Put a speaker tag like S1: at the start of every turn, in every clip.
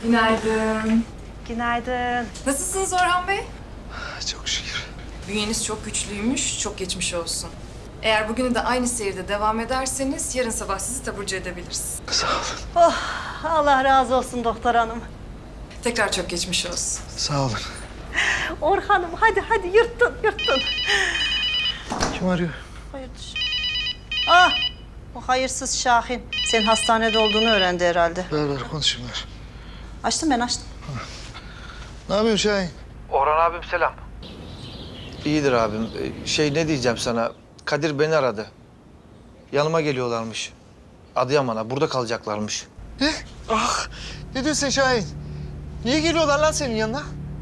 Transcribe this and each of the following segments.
S1: Günaydın.
S2: Günaydın.
S1: Nasılsınız Orhan Bey?
S3: Çok şükür.
S1: Bünyeniz çok güçlüymüş, çok geçmiş olsun. Eğer bugünü de aynı seyirde devam ederseniz yarın sabah sizi taburcu edebiliriz.
S3: Sağ olun.
S2: Oh, Allah razı olsun doktor hanım.
S1: Tekrar çok geçmiş olsun.
S3: Sağ olun.
S2: Orhan'ım hadi yırttın.
S3: Kim arıyor?
S2: Hayırdır? Ah, o hayırsız Şahin. Senin hastanede olduğunu öğrendi herhalde.
S3: Ver konuşayım ver.
S2: Açtım.
S3: Ne yapıyorsun Şahin?
S4: Orhan abim selam. İyidir abim. Ne diyeceğim sana? Kadir beni aradı. Yanıma geliyorlarmış. Adıyaman'a. Burada kalacaklarmış.
S3: Ne? Ah! Ne diyorsun Şahin? Niye geliyorlar lan senin yanına?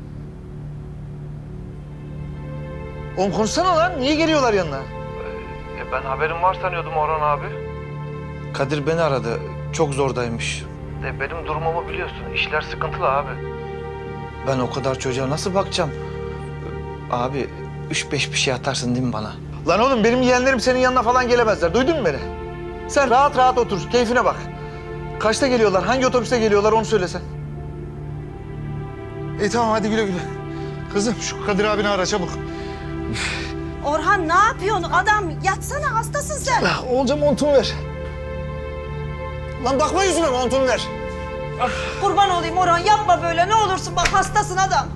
S3: Oğlum konuşsana lan. Niye geliyorlar yanına?
S4: Ben haberim var sanıyordum Orhan abi. Kadir beni aradı. Çok zordaymış. Benim durumumu biliyorsun. İşler sıkıntılı abi. Ben o kadar çocuğa nasıl bakacağım? Abi 3-5 bir şey atarsın değil mi bana?
S3: Lan oğlum benim yeğenlerim senin yanına falan gelemezler. Duydun mu beni? Sen rahat otur. Keyfine bak. Kaçta geliyorlar? Hangi otobüste geliyorlar onu söylesen. İyi tamam hadi güle güle. Kızım şu Kadir abini ara çabuk.
S2: Orhan ne yapıyorsun? Adam yatsana, hastasın sen.
S3: Olca montumu ver. Lan bakma yüzüme montumu ver.
S2: Kurban olayım Orhan, yapma böyle ne olursun, bak hastasın adam.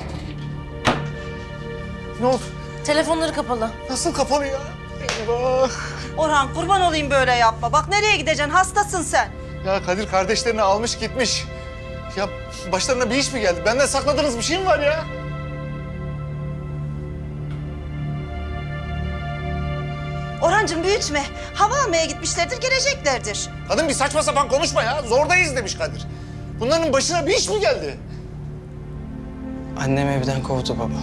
S3: Ne oldu?
S5: Telefonları kapalı.
S3: Nasıl kapalı ya? Eyvah.
S2: Orhan kurban olayım böyle yapma. Bak nereye gideceksin, hastasın sen.
S3: Ya Kadir kardeşlerini almış gitmiş. Ya başlarına bir iş mi geldi? Benden sakladığınız bir şey mi var ya?
S2: Orhancığım büyütme. Hava almaya gitmişlerdir, geleceklerdir.
S3: Kadın bir saçma sapan konuşma ya. Zordayız demiş Kadir. Bunların başına bir iş mi geldi?
S6: Annem evden kovdu baba.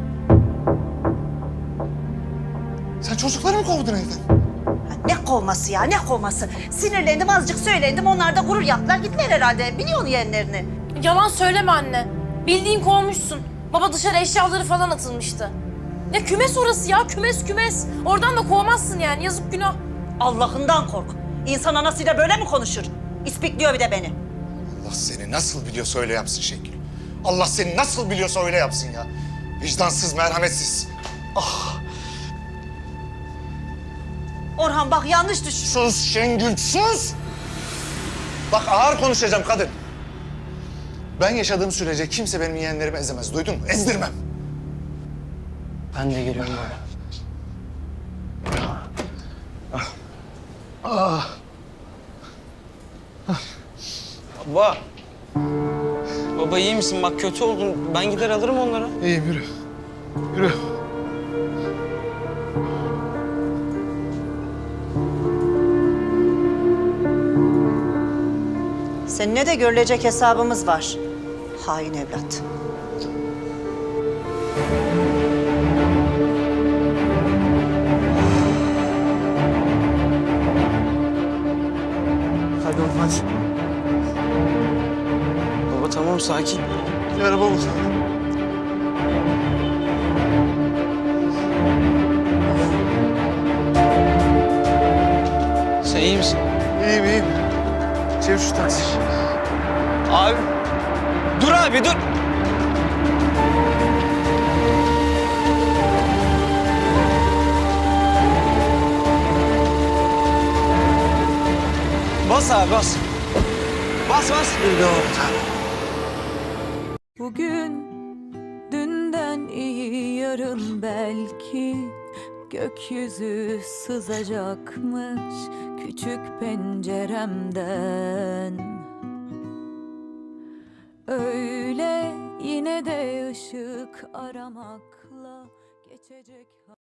S3: Sen çocukları mı kovdun evden?
S2: Ha, ne kovması ya, ne kovması? Sinirlendim, azıcık söylendim. Onlar da gurur yaptılar, gittiler herhalde. Biliyorsun yeğenlerini.
S5: Yalan söyleme anne. Bildiğin kovmuşsun. Baba dışarı eşyaları falan atılmıştı. Ya kümes orası ya, kümes. Oradan da kovmazsın yani, yazık günah.
S2: Allah'ından kork. İnsan anasıyla böyle mi konuşur? İspikliyor bir de beni.
S3: Allah seni nasıl biliyorsa öyle yapsın Şengül. Allah seni nasıl biliyorsa öyle yapsın ya. Vicdansız, merhametsiz. Ah,
S2: Orhan bak yanlış düşün.
S3: sus Şengül, sus! Bak ağır konuşacağım kadın. Ben yaşadığım sürece kimse benim yeğenlerimi ezemez. Duydun mu? Ezdirmem.
S6: Ben de geliyorum baba. Baba. Baba iyi misin? Bak kötü oldun. Ben gider alırım onları.
S3: İyiyim yürü. Yürü.
S2: Seninle de görülecek hesabımız var. Hain evlat.
S3: Hadi oğlum hadi.
S6: Baba tamam sakin.
S3: Bir araba bul.
S6: Sen iyi misin?
S3: İyiyim. Çevir şu taksi.
S6: Abi. Dur abi dur. Bas abi bas. Bas.
S7: Bugün dünden iyi yarın belki gökyüzü sızacakmış küçük penceremden. Öyle yine de ışık aramakla geçecek.